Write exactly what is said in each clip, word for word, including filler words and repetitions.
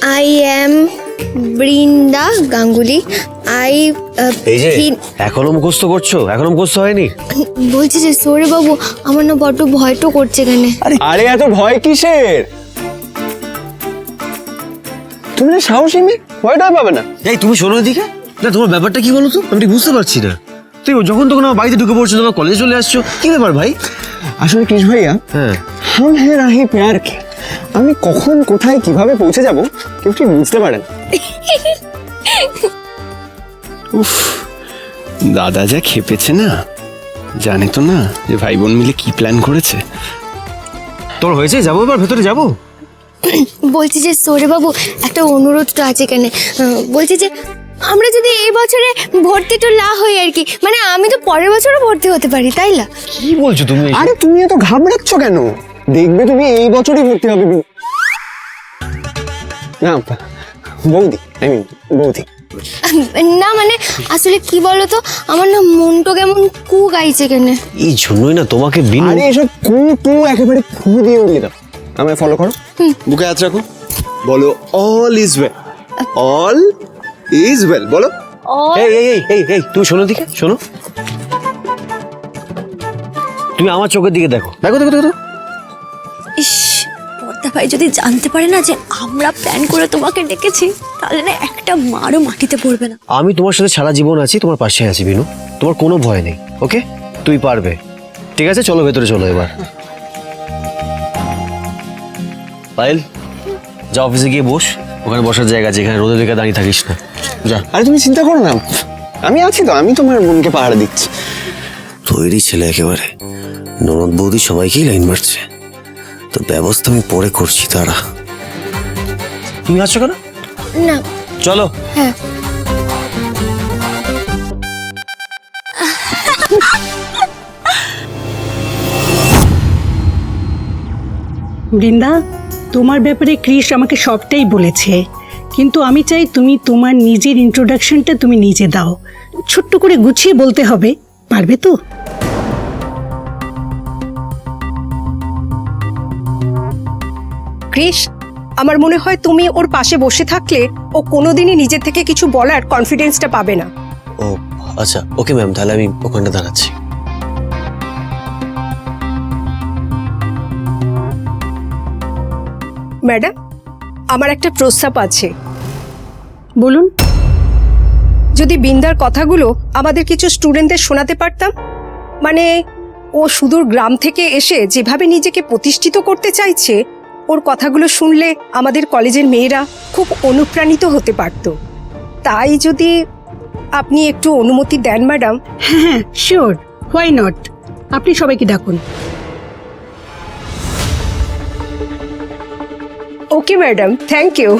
I am Brinda Ganguly. I এই যে এখনো মুখস্থ করছো? এখনো মুখস্থ হয়নি? বলছি যে সৌরে বাবু, আমার না বড্ড ভয় তো করছে কেন। আরে এত ভয় কিসের? তুমি না সাহসী মেয়ে, ভয়টা পাবে না। এই তুমি শোনো এদিকে, না তোমার ব্যাপারটা কি বলো তো, আমি ঠিক বুঝতে পারছি না। তুই যখন তখন আমার বাড়িতে ঢুকে পড়ছো, তোমার কলেজে চলে আসছো, কি ব্যাপার ভাই? আসলে কৃষ ভাইয়া, হ্যাঁ হাম হে রাহি প্যার কে, আমি কখন কোথায় কিভাবে পৌঁছে যাব কেউ ঠিক বুঝতে পারেন। উফ, দাদা যা খেপেছে না, জানে তো না যে ভাই বোন মিলে কি প্ল্যান করেছে। তোর হয়েছে, যাবো এবার ভেতরে যাবো? বলছি যে সৌরে বাবু, একটা অনুরোধ তো আছে কেন। বলছি যে আমরা যদি এই বছরে ভর্তি তো না হই আর কি, মানে আমি তো পরের বছরও ভর্তি হতে পারি, তাই না? কি বলছো তুমি? আরে তুমি এত ঘাবড়াচ্ছ কেন? দেখবে তুমি এই বছরই ভর্তি হবে। না বৌদি, আই মিন বৌদি। না মানে আসলে কি বলতো, আমার না মনটা কেমন কু গাইছে কেন। এই জন্যই না তোমাকে বিনু। আরে এসব কু কু একেবারে ফু দিয়ে উড়িয়ে দাও। আমায় ফলো করো, বুকে হাত রাখো, বলো all is well, all is well বলো। এই এই এই এই এই তুমি শোনো দিকে, শোনো, তুমি আমার চোখের দিকে দেখো, দেখো দেখো দেখো। ইস, পর্দা ভাই যদি জানতে পারে না যে আমরা প্ল্যান করে তোমাকে ডেকেছি, তাহলে না একটা মারও মাটিতে পড়বে না। আমি তোমার সাথে সারা জীবন আছি, তোমার পাশে আছি বিনু, তোমার কোনো ভয় নেই। ওকে, তুই পারবে। ঠিক আছে, চলো ভেতরে চলো এবার। পায়েল, যা অফিসে গিয়ে বস, ওখানে বসার জায়গা আছে, এখানে রোদে দেখে দাঁড়িয়ে থাকিস না, যা। আরে তুমি চিন্তা করো না, আমি আছি তো, আমি তোমার বোনকে পাহারা দিচ্ছি। তৈরি ছেলে একেবারে, ননদ বৌদি সবাইকেই লাইন মারছে, তো ব্যবস্থা আমি পরে করছি। তারা তুমি আসছো কেন? না চলো। হ্যাঁ, বৃন্দা, তোমার ব্যাপারে ক্রিস আমাকে সবটাই বলেছে, কিন্তু আমি চাই তুমি তোমার নিজের ইন্ট্রোডাকশনটা তুমি নিজে দাও। ছোট্ট করে গুছিয়ে বলতে হবে, পারবে তো? ক্রিস, আমার মনে হয় তুমি ওর পাশে বসে থাকলে ও কোনোদিনই নিজে থেকে কিছু বলার কনফিডেন্সটা পাবে না। ও আচ্ছা, ওকে ম্যাম, তাহলে আমি ওখানটা দাঁড়াচ্ছি। ম্যাডাম, আমার একটা প্রস্তাব আছে। বলুন। যদি বিন্দার কথাগুলো আমাদের কিছু স্টুডেন্টদের শোনাতে পারতাম, মানে ও সুদূর গ্রাম থেকে এসে যেভাবে নিজেকে প্রতিষ্ঠিত করতে চাইছে, ওর কথাগুলো শুনলে আমাদের কলেজের মেয়েরা খুব অনুপ্রাণিত হতে পারত। তাই যদি আপনি একটু অনুমতি দেন ম্যাডাম। হ্যাঁ হ্যাঁ, শিওর, হোয়াই নট। আপনি সবাইকে ডাকুন। Okay madam, thank you.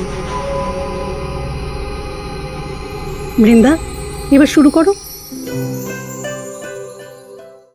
Brinda, এবার শুরু করো।